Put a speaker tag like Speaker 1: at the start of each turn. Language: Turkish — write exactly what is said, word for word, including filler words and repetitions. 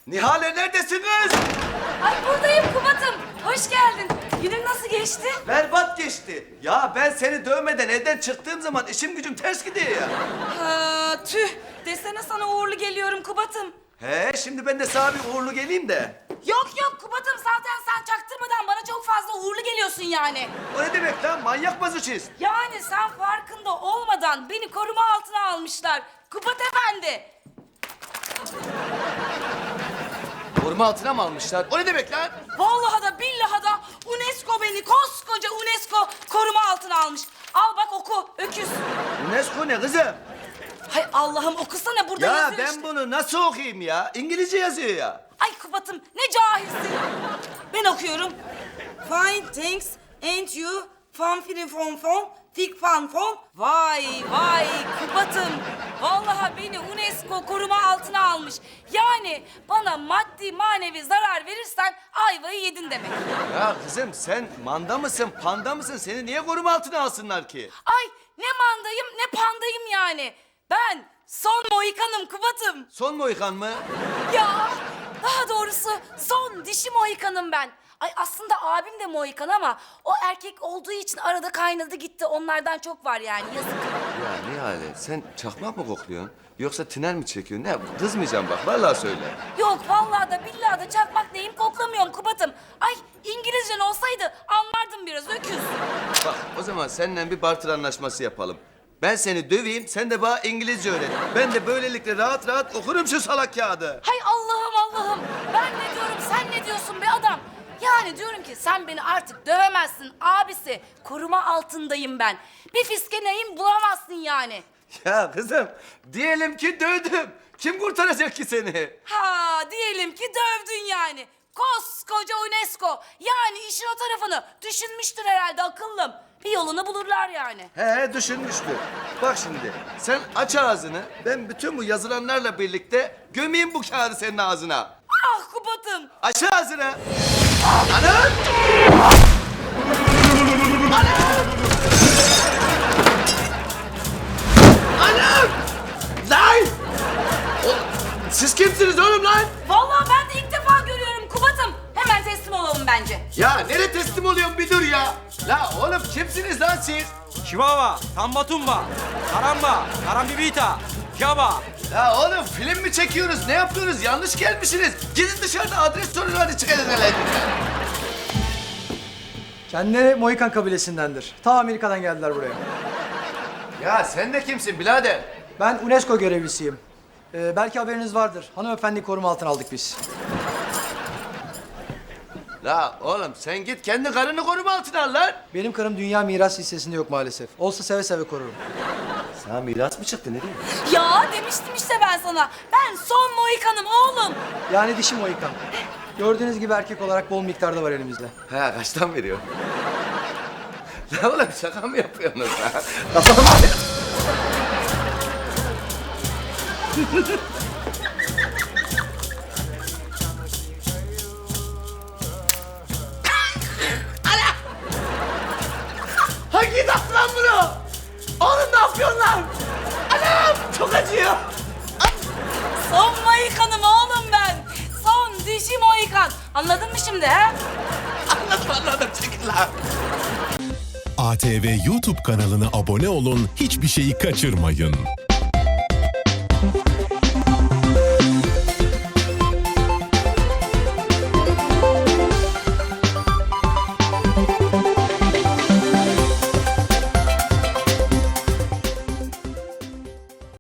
Speaker 1: Nihale neredesiniz?
Speaker 2: Ay buradayım Kubat'ım. Hoş geldin. Günün nasıl geçti?
Speaker 1: Berbat geçti. Ya ben seni dövmeden evden çıktığım zaman işim gücüm ters gidiyor ya.
Speaker 2: Ha, tüh. Desene sana uğurlu geliyorum Kubat'ım.
Speaker 1: He şimdi ben de sana bir uğurlu geleyim de.
Speaker 2: Yok yok Kubat'ım zaten sen çaktırmadan bana çok fazla uğurlu geliyorsun yani.
Speaker 1: O ne demek lan? Manyak mazoşist.
Speaker 2: Yani sen farkında olmadan beni koruma altına almışlar. Kubat Efendi.
Speaker 1: Koruma altına mı almışlar? O ne demek lan?
Speaker 2: Vallahi da billahi da UNESCO beni koskoca UNESCO koruma altına almış. Al bak oku öküz.
Speaker 1: UNESCO ne kızım?
Speaker 2: Hay Allah'ım okusana burada
Speaker 1: Ya
Speaker 2: yazıyor
Speaker 1: ben
Speaker 2: işte.
Speaker 1: bunu nasıl okuyayım ya? İngilizce yazıyor ya.
Speaker 2: Ay Kubat'ım ne cahilsin. Ben okuyorum. Fine thanks and you fan filin fon fon fik fan fon. Vay vay Kubat'ım. Vallahi beni UNESCO koruma altına almış. Yani bana maddi manevi zarar verirsen ayvayı yedin demek.
Speaker 1: Ya kızım sen manda mısın, panda mısın? Seni niye koruma altına alsınlar ki?
Speaker 2: Ay ne mandayım ne pandayım yani. Ben son Mohikan'ım Kubat'ım.
Speaker 1: Son Mohikan mı?
Speaker 2: Ya daha doğrusu son dişi Mohikan'ım ben. Ay aslında abim de Mohikan ama o erkek olduğu için arada kaynadı gitti. Onlardan çok var yani yazık.
Speaker 1: Ya Nihale sen çakmak mı kokluyorsun? Yoksa tiner mi çekiyorsun? Ne kızmayacağım bak vallahi söyle.
Speaker 2: Yok vallahi da billahi da çakmak neyim koklamıyorum Kubat'ım. Ay İngilizcen olsaydı anlardım biraz öküz.
Speaker 1: Bak o zaman seninle bir barter anlaşması yapalım. Ben seni döveyim, sen de bana İngilizce öğret. Ben de böylelikle rahat rahat okurum şu salak kağıdı.
Speaker 2: Hay Allah'ım Allah'ım. Ben ne diyorum sen ne diyorsun be adam? Yani diyorum ki sen beni artık dövemezsin abisi. Koruma altındayım ben. Bir fiskeneyim bulamazsın yani.
Speaker 1: Ya kızım, diyelim ki dövdüm. Kim kurtaracak ki seni?
Speaker 2: Ha diyelim ki dövdün yani. Koskoca UNESCO. Yani işin o tarafını düşünmüştür herhalde akıllım. Bir yolunu bulurlar yani.
Speaker 1: He düşünmüştür. Bak şimdi, sen aç ağzını. Ben bütün bu yazılanlarla birlikte gömeyim bu kağıdı senin ağzına.
Speaker 2: Ah Kubat'ım.
Speaker 1: Aç ağzını. Anam! Anam! Lan! O- Siz kimsiniz oğlum lan?
Speaker 2: Vallahi ben de ilk defa görüyorum Kubat'ım. Hemen teslim olalım bence.
Speaker 1: Ya nereye teslim oluyorsun bir dur ya. La oğlum kimsiniz lan siz?
Speaker 3: Chihuahua, Tambatumba, Karamba, Karambibita, Kaba.
Speaker 1: Ya oğlum film mi çekiyoruz? Ne yapıyoruz? Yanlış gelmişsiniz. Gidin dışarıda adres sorun hadi çıkın hele.
Speaker 4: Kendileri Mohikan kabilesindendir. Ta Amerika'dan geldiler buraya.
Speaker 1: Ya sen de kimsin birader?
Speaker 4: Ben UNESCO görevlisiyim. Ee, belki haberiniz vardır. Hanımefendi koruma altına aldık biz.
Speaker 1: La oğlum sen git kendi karını koruma altına al lan.
Speaker 4: Benim karım dünya miras listesinde yok maalesef. Olsa seve seve korurum.
Speaker 1: Sana miras mı çıktı ne diyeyim?
Speaker 2: Ya demiştim işte ben sana. Ben son Mohikan'ım oğlum.
Speaker 4: Yani dişi Mohikan. Gördüğünüz gibi erkek olarak bol miktarda var elimizde.
Speaker 1: Ha kaçtan veriyor? La oğlum şaka mı yapıyorsunuz ha? Kafam Hangi laf lan bunu? Oğlum ne yapıyorsun lan? Anam çok acıyor.
Speaker 2: Son Mohikan'ım oğlum ben. Son dişi Mohikan. Anladın mı şimdi he?
Speaker 1: Anladım anladım çekil lan.
Speaker 5: A T V YouTube kanalına abone olun, hiçbir şeyi kaçırmayın.